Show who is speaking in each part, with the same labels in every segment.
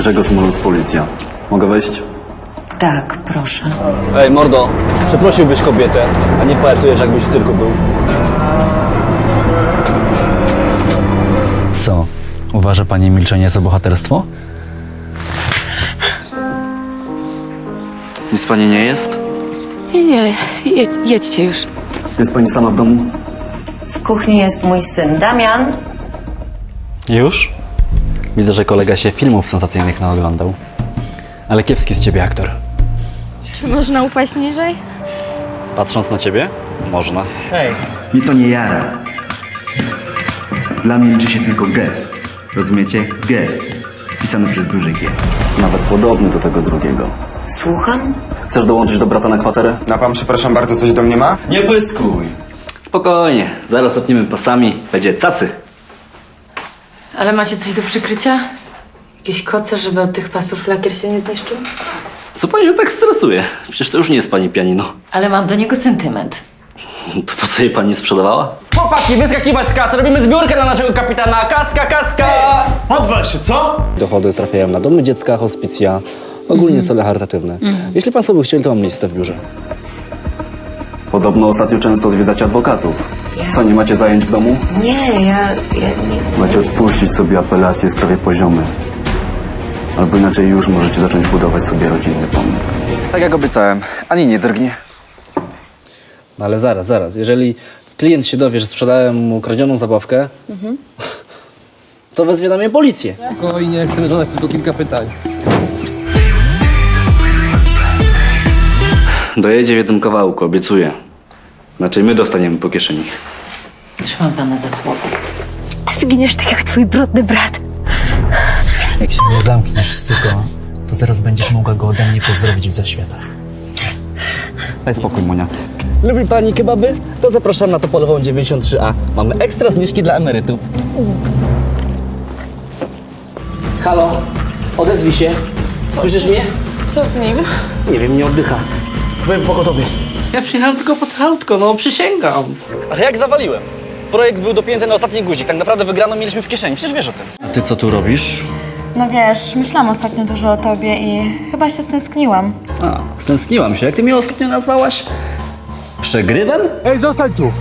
Speaker 1: Grzegorz Mulus, policja. Mogę wejść?
Speaker 2: Tak, proszę.
Speaker 3: Ej, mordo, przeprosiłbyś kobietę, a nie pałacujesz, jakbyś w cyrku był.
Speaker 4: Co? Uważa pani milczenie za bohaterstwo?
Speaker 1: Nic pani nie jest?
Speaker 5: Nie, jedźcie już.
Speaker 1: Jest pani sama w domu?
Speaker 2: W kuchni jest mój syn Damian.
Speaker 4: Już? Widzę, że kolega się filmów sensacyjnych naoglądał. Ale kiepski z ciebie aktor.
Speaker 5: Czy można upaść niżej?
Speaker 4: Patrząc na ciebie? Można.
Speaker 6: Mnie to nie jara. Dla mnie liczy się tylko gest. Rozumiecie? Gest. Pisany przez duże G.
Speaker 1: Nawet podobny do tego drugiego.
Speaker 2: Słucham?
Speaker 1: Chcesz dołączyć do brata na kwaterę?
Speaker 7: A pan, przepraszam bardzo, coś do mnie ma?
Speaker 1: Nie pyskuj. Spokojnie, zaraz zapniemy pasami, będzie cacy.
Speaker 8: Ale macie coś do przykrycia? Jakieś koce, żeby od tych pasów lakier się nie zniszczył?
Speaker 1: Co pani się tak stresuje? Przecież to już nie jest pani pianino.
Speaker 8: Ale mam do niego sentyment.
Speaker 1: To po co jej pani sprzedawała?
Speaker 3: Chłopaki, wyskakiwać z kasy, robimy zbiórkę dla naszego kapitana. Kaska, kaska!
Speaker 9: Odwal się, co?
Speaker 3: Dochody trafiają na domy dziecka, hospicja, ogólnie cele charytatywne. Jeśli państwo by chcieli, to mam listę w biurze.
Speaker 1: Podobno ostatnio często odwiedzacie adwokatów. Co, nie macie zajęć w domu?
Speaker 2: Nie, ja nie...
Speaker 1: Macie odpuścić sobie apelacje w sprawie poziomy. Albo inaczej już możecie zacząć budować sobie rodzinny pomnik. Tak jak obiecałem, ani nie drgnie.
Speaker 3: No ale zaraz. Jeżeli klient się dowie, że sprzedałem mu kradzioną zabawkę, to wezwie na mnie policję.
Speaker 10: Spokojnie, chcemy zadać tylko kilka pytań.
Speaker 1: Dojedzie w jednym kawałku, obiecuję. Znaczy my dostaniemy po kieszeni.
Speaker 8: Trzymam pana za słowo.
Speaker 5: Zginiesz tak jak twój brudny brat.
Speaker 4: Jak się nie zamkniesz, syko, to zaraz będziesz mogła go ode mnie pozdrowić w zaświatach.
Speaker 3: Daj spokój, Monia. Lubi pani kebaby? To zapraszam na Topolową 93A. Mamy ekstra zniżki dla emerytów. Halo, odezwij się. Słyszysz mnie?
Speaker 5: Co z nim?
Speaker 3: Nie wiem, nie oddycha. Dzwoń pogotowie. Ja przyjechałem tylko pod autko, no przysięgam. Ale jak zawaliłem? Projekt był dopięty na ostatni guzik. Tak naprawdę wygraną mieliśmy w kieszeni. Przecież wiesz o tym.
Speaker 4: A ty co tu robisz?
Speaker 11: No wiesz, myślałam ostatnio dużo o tobie i chyba się stęskniłam.
Speaker 4: A, stęskniłam się. Jak ty mnie ostatnio nazwałaś? Przegrywem?
Speaker 9: Ej, zostań tu!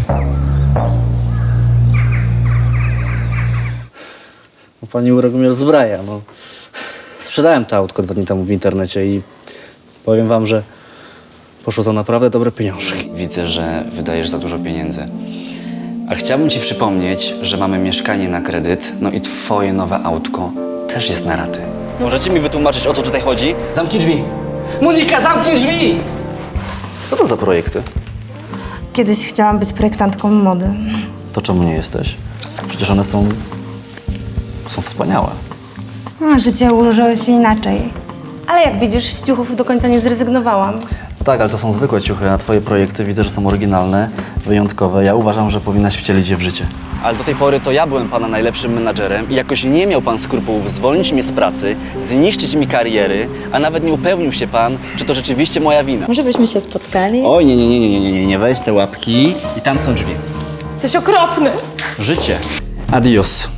Speaker 3: No, pani urok mnie rozbraja, no. Sprzedałem to autko 2 dni temu w internecie i powiem wam, że poszło za naprawdę dobre pieniążki.
Speaker 12: Widzę, że wydajesz za dużo pieniędzy. A chciałbym ci przypomnieć, że mamy mieszkanie na kredyt, no i twoje nowe autko też jest na raty.
Speaker 3: Możecie mi wytłumaczyć, o co tutaj chodzi? Zamknij drzwi. Monika, zamknij drzwi! Co to za projekty?
Speaker 11: Kiedyś chciałam być projektantką mody.
Speaker 4: To czemu nie jesteś? Przecież one są wspaniałe.
Speaker 11: Życie ułożyło się inaczej. Ale jak widzisz, z ciuchów do końca nie zrezygnowałam.
Speaker 4: No tak, ale to są zwykłe ciuchy, a twoje projekty widzę, że są oryginalne, wyjątkowe. Ja uważam, że powinnaś wcielić je w życie.
Speaker 3: Ale do tej pory to ja byłem pana najlepszym menadżerem i jakoś nie miał pan skrupułów zwolnić mnie z pracy, zniszczyć mi kariery, a nawet nie upewnił się pan, czy to rzeczywiście moja wina.
Speaker 11: Może byśmy się spotkali?
Speaker 4: Oj, nie, weź te łapki i tam są drzwi.
Speaker 5: Jesteś okropny.
Speaker 4: Życie. Adios.